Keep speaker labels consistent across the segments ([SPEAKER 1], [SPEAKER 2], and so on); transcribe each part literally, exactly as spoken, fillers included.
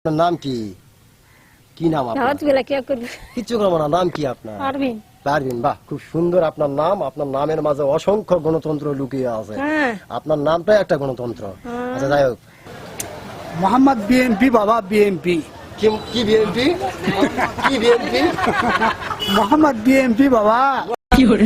[SPEAKER 1] আপনার নাম কি? কি নাম আপনার?
[SPEAKER 2] কিছু করবো না, নাম কি আপনার?
[SPEAKER 1] পারভিন।
[SPEAKER 2] পারভিন, বাহ, খুব সুন্দর আপনার নাম। আপনার নামের মাঝে অসংখ্য গণতন্ত্র লুকিয়ে আছে।
[SPEAKER 1] হ্যাঁ।
[SPEAKER 2] আপনার নামটাই একটা গণতন্ত্র। আচ্ছা, যাই হোক,
[SPEAKER 3] মোহাম্মদ বিএনপি বাবা বিএনপি
[SPEAKER 2] কি কি বিএনপি? কি বিএনপি?
[SPEAKER 3] মোহাম্মদ বিএনপি বাবা।
[SPEAKER 1] কি করে?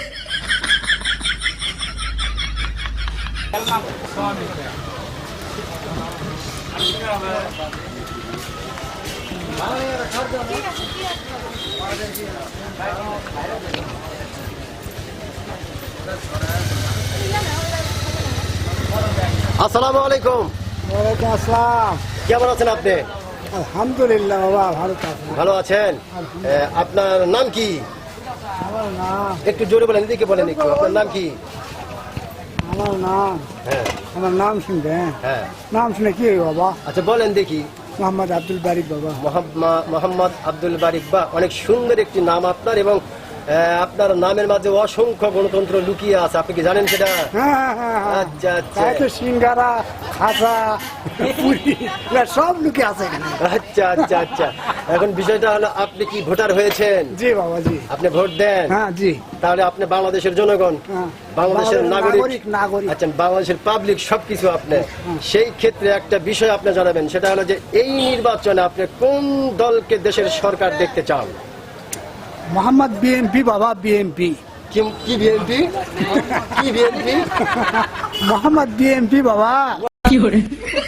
[SPEAKER 2] আসসালামু আলাইকুম।
[SPEAKER 3] ওয়ালাইকুম আসসালাম।
[SPEAKER 2] কেমন আছেন আপনি?
[SPEAKER 3] আলহামদুলিল্লাহ বাবা, ভালো থাকুন।
[SPEAKER 2] ভালো আছেন? এ, আপনার নাম কি?
[SPEAKER 3] আমার নাম
[SPEAKER 2] একটু জোরে বলেন, এদিকে বলেন একটু। আপনার নাম কি?
[SPEAKER 3] আমার নাম
[SPEAKER 2] হ্যাঁ
[SPEAKER 3] আমার নাম শুনবেন?
[SPEAKER 2] হ্যাঁ।
[SPEAKER 3] নাম শুনে কি হবে বাবা?
[SPEAKER 2] আচ্ছা, বলেন দেখি।
[SPEAKER 3] মোহাম্মদ আব্দুল বারিক বাবা।
[SPEAKER 2] মোহাম্মদ মোহাম্মদ আব্দুল বারিক, বা অনেক সুন্দর একটি নাম আপনার, এবং আহ, আপনার নামের মাঝে অসংখ্য গণতন্ত্র লুকিয়ে আছে। আপনি কি জানেন সেটা?
[SPEAKER 3] হ্যাঁ হ্যাঁ হ্যাঁ হ্যাঁ।
[SPEAKER 2] আচ্ছা আচ্ছা
[SPEAKER 3] তাই তো সিঙ্গারা, খাসা, পুরি এগুলা সব লুকে আছে এখানে।
[SPEAKER 2] আচ্ছা আচ্ছা আচ্ছা এখন বিষয়টা হলো, আপনি কি ভোটার হয়েছেন?
[SPEAKER 3] জি বাবা, জি।
[SPEAKER 2] আপনি ভোট দেন?
[SPEAKER 3] হ্যাঁ, জি।
[SPEAKER 2] তাহলে আপনি বাংলাদেশের জনগণ,
[SPEAKER 3] হ্যাঁ।
[SPEAKER 2] বাংলাদেশের নাগরিক।
[SPEAKER 3] নাগরিক নাগরিক
[SPEAKER 2] আচ্ছা, বাংলাদেশের পাবলিক সবকিছু আপনি। সেই ক্ষেত্রে একটা বিষয় আপনি জানাবেন, সেটা হলো যে এই নির্বাচনে আপনি কোন দলকে দেশের সরকার দেখতে চান?
[SPEAKER 3] মোহাম্মদ বিএনপি বাবা বিএনপি
[SPEAKER 2] কি কি বিএনপি? কি বিএনপি?
[SPEAKER 3] মোহাম্মদ বিএনপি বাবা।
[SPEAKER 1] কি করে?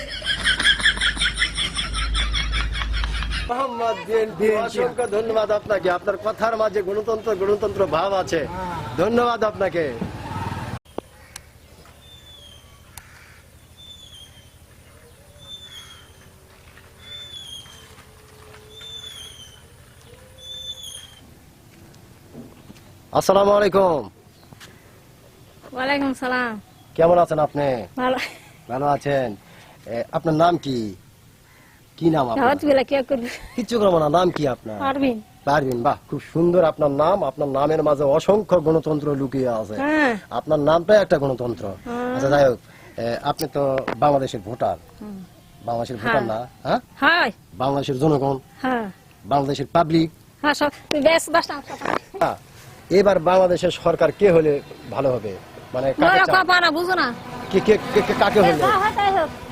[SPEAKER 2] মোহাম্মদ বিএনপি, অসংখ্য ধন্যবাদ আপনাকে। আপনার কথার মাঝে গণতন্ত্র গণতন্ত্র ভাব আছে। ধন্যবাদ আপনাকে। আসসালামু আলাইকুম।
[SPEAKER 1] ওয়ালাইকুম সালাম।
[SPEAKER 2] কেমন আছেন আপনি?
[SPEAKER 1] ভালো।
[SPEAKER 2] ভালো আছেন? এ, আপনার নাম কি? কি নাম আপনার? কিছু করবো না, নাম কি আপনার?
[SPEAKER 1] পারভিন।
[SPEAKER 2] পারভিন, বাহ, খুব সুন্দর আপনার নাম। আপনার নামের মাঝে অসংখ্য গণতন্ত্র লুকিয়ে আছে।
[SPEAKER 1] হ্যাঁ।
[SPEAKER 2] আপনার নামটাই একটা গণতন্ত্র। আচ্ছা, যাই হোক, এ, আপনি তো বাংলাদেশের ভোটার। বাংলাদেশের ভোটার না? হ্যাঁ,
[SPEAKER 1] হ্যাঁ
[SPEAKER 2] বাংলাদেশের জনগণ,
[SPEAKER 1] হ্যাঁ
[SPEAKER 2] বাংলাদেশের পাবলিক।
[SPEAKER 1] হ্যাঁ সব বেশ দশটা
[SPEAKER 2] এবার বাংলাদেশের সরকার কে হলে ভালো হবে? মানে কাকে চান?
[SPEAKER 1] বুঝো না
[SPEAKER 2] কে- কে- কে- কে- কাকে হলে?